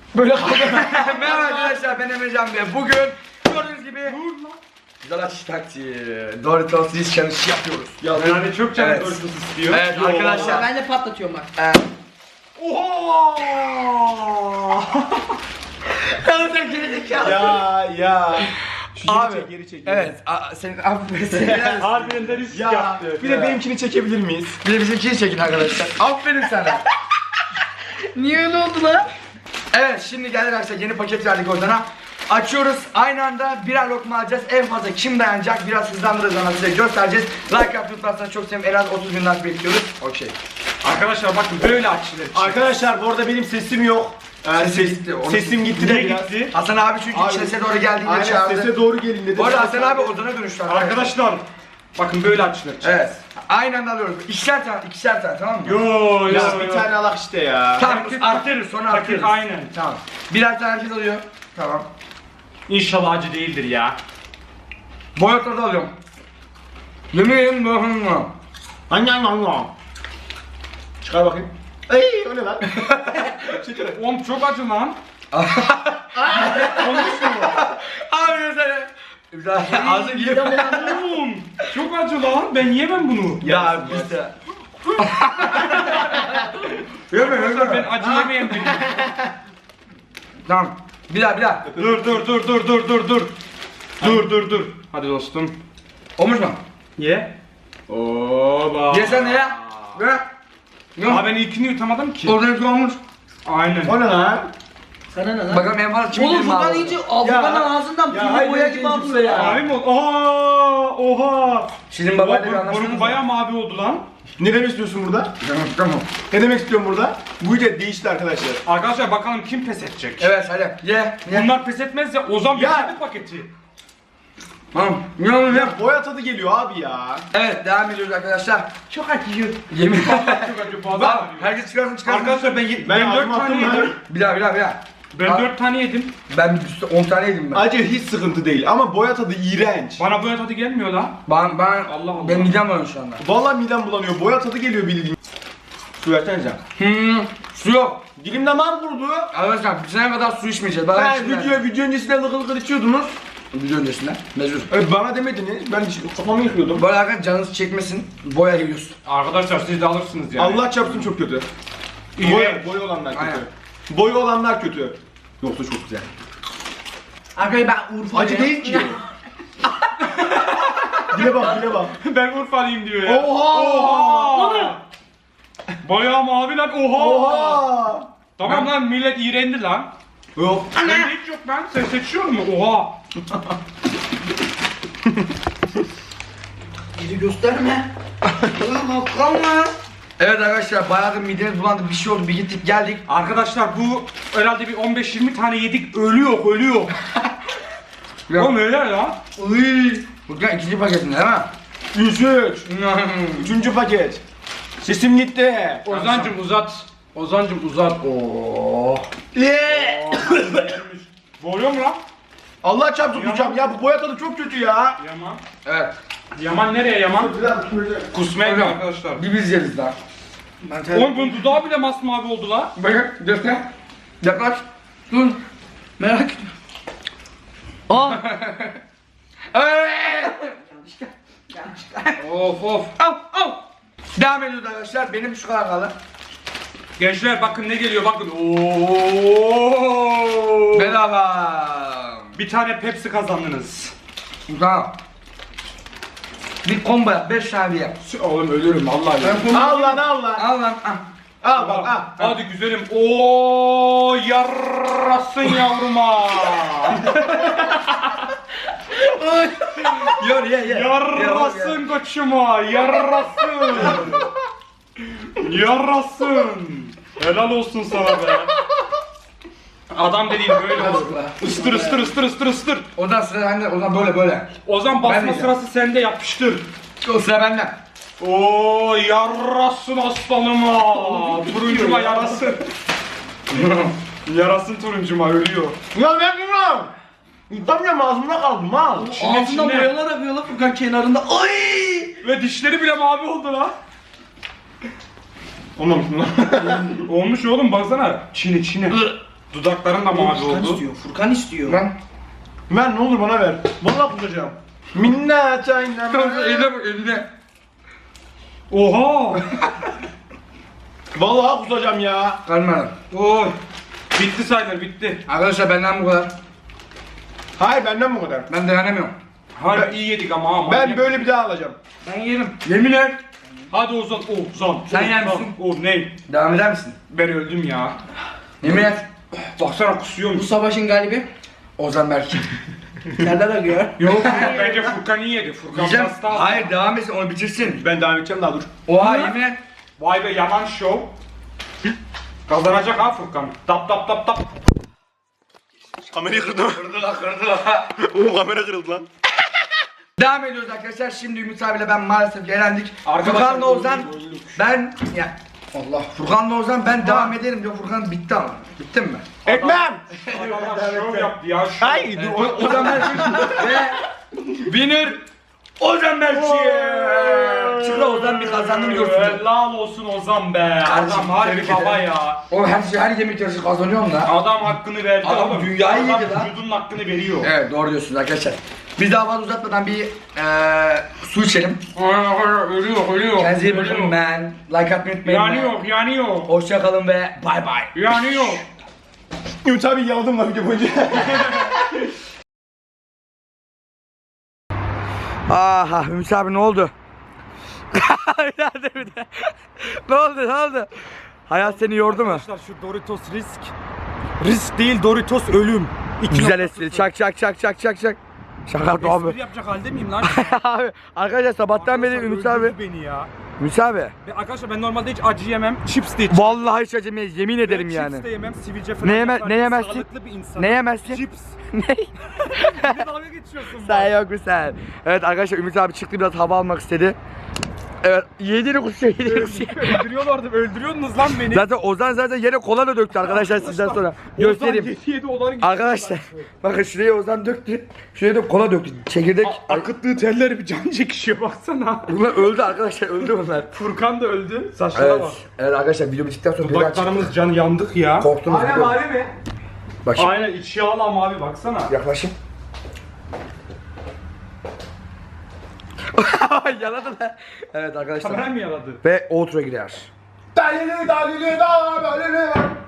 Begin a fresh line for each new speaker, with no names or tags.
Böyle kaldı.
Merhaba arkadaşlar, ben Emrecan ve bugün gördüğünüz gibi güzel açış taktiği Doritos Risk Challenge yapıyoruz.
Yani çok canım
Evet.
Doritos istiyor.
Evet arkadaşlar.
Ben de patlatıyorum bak.
Oha!
Kanıtın gerizekalı.
Ya. Şu
Abi,
geri çek.
Evet, senin aferin.
Harbiden de risk
Ya,
yaptı.
bir de benimkini çekebilir miyiz?
Bir de bizimkini çekin arkadaşlar. Aferin sana.
Niye öyle oldu lan?
Evet, şimdi geldik arkadaşlar, yeni paket verdik oradan. Açıyoruz, aynı anda birer lokma alacağız. En fazla kim dayanacak, biraz hızlandırırız ama size göstereceğiz. Like yaptıysanız çok sevinirim, en az 30 bin like bekliyoruz. Okey.
Arkadaşlar bakın böyle açılır.
Arkadaşlar bu arada benim sesim yok.
Sesim gitti, onu-
Sesim gitti de
Niye
biraz.
gitti?
Hasan abi çünkü
Abi,
sese doğru geldiğinde
Aynen
çağırdı.
sese doğru gelin dedi.
Bu arada Hasan abi Ozan'a dönüştü
Arkadaşlar bakın böyle açılır.
Evet. Aynı anda alıyoruz. İkişer tane, tamam mı?
Yo
Ya bir tane alak işte ya.
Tamam,
Herkes-
arttırırız, sonra
Paket
arttırırız.
aynen.
Tamam. Birer tane herkes alıyor. Tamam.
İnşallah acı değildir ya.
Boyatla da alıyorum. Yemeğin boyatla.
Anyan. Çıkar bakayım. Ey o ne lan?
Oğlum çok acı lan.
Abi sen. Güzel. Ağzın gibi.
Oğlum çok acı lan. Ben yiyemem bunu.
Ya biz de. Yeme
Arkadaşlar ben
yeme.
acı yemeyen biriyim.
Tamam. Bir daha.
Dur. Hadi dostum.
Olmuş mu?
Ye. Oba.
Ye sen de ya. Ve.
Aa ben ilkini yutamadım ki.
Oradan bir olmuş.
Aynen.
O ne lan?
Sana ne lan?
Bakalım en fazla kim
Oğlum
bilir mi
Furkan
abi?
iyice Furkan'ın ağzından
Ya
pilli
hayır,
boya
ben
gibi
kendim
alıyor ya.
Mavi mi oldu? Oha.
Sizin babayla bir
Burun
anlaşmanız
bayağı mavi oldu lan.
Ne demek istiyorsun burada?
Tamam.
Ne demek istiyorum burada? Bu iyice değişti arkadaşlar.
Arkadaşlar bakalım kim pes edecek.
Evet hadi. Ye.
Bunlar pes etmez ya Ozan
Ya.
bitirdi paketi.
Tamam. Ye oğlum ye.
Boya tadı geliyor abi ya.
Evet devam ediyoruz arkadaşlar.
Çok acıyor.
Yemin.
Çok acı fazla
Bak
ağrıyor.
herkes çıkarsın.
Arkadaşlar ben
ağzıma
4 tane
attım lan.
yedim.
Bir daha.
Ben 4 tane yedim.
Ben 10 tane yedim ben.
Acı hiç sıkıntı değil ama boya tadı iğrenç.
Bana bu tadı gelmiyor lan.
Ben
Allah Allah.
ben midem bulanıyor şu anda.
Vallahi midem bulanıyor. Boya tadı geliyor bildiğin. Su versenize.
Su yok.
Dilim damağım kurudu.
Arkadaşlar bir sene kadar su içmeyeceğiz. Bana
Ben
içmeyeceğiz.
video öncesinde lıkır lıkır içiyordunuz.
Video öncesinde. Mecbur.
Bana demediniz. Ben kafamı yıkıyordum.
Böyle arkadaşlar canınız çekmesin. Boya yiyorsun.
Arkadaşlar siz de alırsınız yani.
Allah çarpsın çok kötü.
İğrenç.
Boya olanlar kötü.
Aynen.
Boya olanlar kötü. Yoksa çok güzel.
Arkadaşlar ben Urfa'yım.
Acı değil ki. Dile bak.
Ben Urfalıyım diyor ya.
Oha!
Bayağı mavi lan oha.
Oha!
Tamam lan millet iğrendi lan.
Yok.
Bende hiç yok lan. Sen seçiyor musun? Oha.
Bizi gösterme. Ulan kalma.
Evet arkadaşlar bayağı da midemiz bulandı. Bir şey oldu. Bir gittik geldik.
Arkadaşlar bu herhalde bir 15-20 tane yedik. Ölüyor.
Ya.
Oğlum öyle ya.
Uy. Bugün ikinci paketinde değil mi?
Üçüncü paket. Sesim gitti.
Ozancım uzat. Oo. Boğuyor mu lan?
Allah çarpsın kusacağım ya, bu boya tadı çok kötü ya.
Yaman.
Evet.
Yaman nereye Yaman? Kusmaya gidiyor
Hocam,
arkadaşlar.
Bir biz yeriz daha.
Oğlum bunun dudağı bile masmavi oldu lan.
Bakın göster. Yaklaş. Dur.
Merak etme. Aa.
Of.
Al. Devam ediyoruz arkadaşlar. Benim şu kadar kaldı.
Gençler bakın ne geliyor bakın. Oo.
Bedava.
Bir tane Pepsi kazandınız.
Tamam. Bir combo yap. 5 tane yap.
Oğlum ölürüm vallahi.
Al lan.
Al lan. Al.
Al bak al.
Hadi güzelim. Oo yarasın yavruma.
Ye.
Yarasın koçuma. Yarasın. Helal olsun sana be. Adam dediğin böyle olur. Istır.
Ondan sıra bende. Ondan böyle.
Ozan
Ben
basma
diyeceğim.
sırası sende yapıştır.
O sıra bende.
Oo yarasın aslanıma. Turuncuma yarasın. Yarasın turuncuma ölüyor.
Ya ne bileyim. Yutamıyorum, ağzımda kaldı mal.
Ağzından boyalar akıyor lan Furkan kenarında. Ay!
Ve dişleri bile mavi oldu lan.
Olmamış mı lan?
Olmuş oğlum baksana. Çine. Dudakların da mavi
Furkan
oldu.
istiyor. Furkan istiyor.
Ben
Ver ne olur bana ver. Vallahi kusacağım. Minna çayna.
Eline bak eline. Oha!
Vallahi kusacağım ya.
kalmadım.
Oy! Bitti sayılır bitti.
Arkadaşlar benden bu kadar.
Hayır benden bu kadar.
Ben dayanamıyorum.
Harbi iyi yedik ama.
Ben böyle bir daha alacağım.
Ben yerim.
Yemin et.
Hadi Ozan. Ozan.
Sen yer
Ozan.
misin?
O ne?
Devam eder misin?
Ben öldüm ya.
Yemin et.
Baksana
Bu
kusuyormuş.
savaşın galibi.
Ozan Berk.
Serdar akıyor.
Yok bence Furkan iyi yedi. Furkan
Yiyeceğim.
pasta.
Hayır devam etsin onu bitirsin.
Ben devam edeceğim daha dur.
Oha yemin et.
Vay be yaman şov. Kazanacak ha Furkan. Tap tap tap tap.
Kamerayı kırdım.
Kırdılar.
Oo kamera kırıldı lan.
Devam ediyoruz arkadaşlar. Şimdi Ümit abiyle ben maalesef eğlendik.
Arkadaşlar,
Furkan'la Ozan
öldük.
ben ya Allah Furkan'la Ozan ben devam ederim diyor. Furkan bitti ama. Bittin mi?
Etmem.
Adamlar şov yaptı ya. Şov.
Hayır dur.
Ozan Berk ve winner Ozan Berk. Çıkra Ozan bir kazandım diyorsun.
Helal olsun Ozan be.
Kardeşim,
Adam harbi
tebrik
baba
ederim.
ya.
O her yemek yarışı kazanıyorum da.
Adam hakkını verdi
Adam
oğlum.
dünyayı
Adam
yedi lan.
vücudunun hakkını veriyor.
Evet doğru diyorsunuz arkadaşlar. Biz daha fazla uzatmadan bir su içelim.
Ölüyor.
Kendinize iyi bakın ben. Like atmayı unutmayın.
Yanıyor.
Hoşça kalın ve bay bay.
Yanıyor.
Ümit abi yaladım lan video boyunca.
Aha Ümit abi ne oldu? Ne oldu? Hayat seni yordu mu?
Arkadaşlar şu Doritos risk. Risk değil Doritos ölüm.
Güzel espri. Çak. Şaka abi.
Espri yapacak halde miyim lan?
Abi arkadaşlar sabahtan beri
Arkadaşlar
Ümit abi.
öldürdü beni ya.
Ümit abi.
Arkadaşlar ben normalde hiç acı yemem. Chips de içmem.
Vallahi hiç acımayız yemin ederim
Ben
yani.
Chips de yemem. Sivilce falan.
Ne
yapar.
yemezsin?
Sağlıklı bir insan.
Ne yemezsin?
Chips.
Ne?
Bir dalga geçiyorsun.
Sen yok mu sen? Evet arkadaşlar Ümit abi çıktı biraz hava almak istedi. Evet yediğini kusuyor.
Öldürüyordunuz lan beni.
Zaten Ozan zaten yere kola da döktü arkadaşlar sizden sonra. Göstereyim.
Yedi onların
Arkadaşlar bakın şuraya Ozan döktü. Şuraya da kola döktü. Çekirdek.
akıttığı telleri bir can çekişiyor baksana.
Bunlar öldü arkadaşlar öldü bunlar.
Furkan da öldü. Saçlara
Evet.
bak.
Evet arkadaşlar video bittikten sonra biraz
Dudaklarımız can yandık ya.
korktunuz.
Aynen
biliyorum.
mavi mi?
Bak şimdi
Aynen iç yağlı ama abi baksana.
yaklaşın. Yaladı lan. Evet arkadaşlar.
Kamera mı yaladı?
Ve outro girer.
Dalili dalili da dalili var.